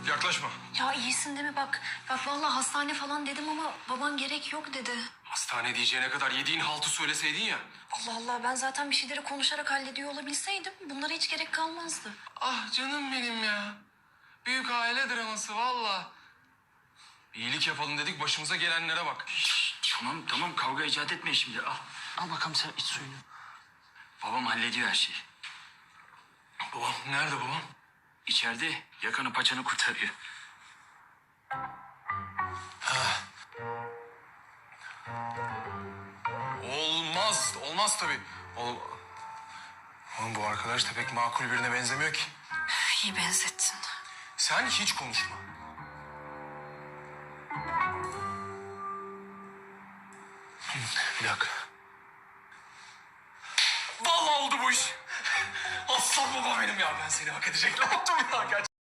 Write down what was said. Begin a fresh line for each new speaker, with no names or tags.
Yaklaşma.
Ya iyisin değil mi bak? Bak vallahi hastane falan dedim ama baban gerek yok dedi.
Hastane diyeceğine kadar yediğin haltı söyleseydin ya.
Allah Allah, ben zaten bir şeyleri konuşarak hallediyor olabilseydim bunlara hiç gerek kalmazdı.
Ah canım benim ya. Büyük aile draması valla. İyilik yapalım dedik, başımıza gelenlere bak.
Tamam kavga icat etme şimdi. Al bakalım sen iç suyunu. Babam hallediyor her şeyi.
Babam nerede babam?
İçeride yakanı paçanı kurtarıyor.
Olmaz tabii. Oğlum bu arkadaş da pek makul birine benzemiyor ki.
İyi benzettin.
Sen hiç konuşma. Bir dakika. Vallahi oldu bu iş. Aslan baba benim ya, ben seni hak edecek ne yaptım ya gerçekten.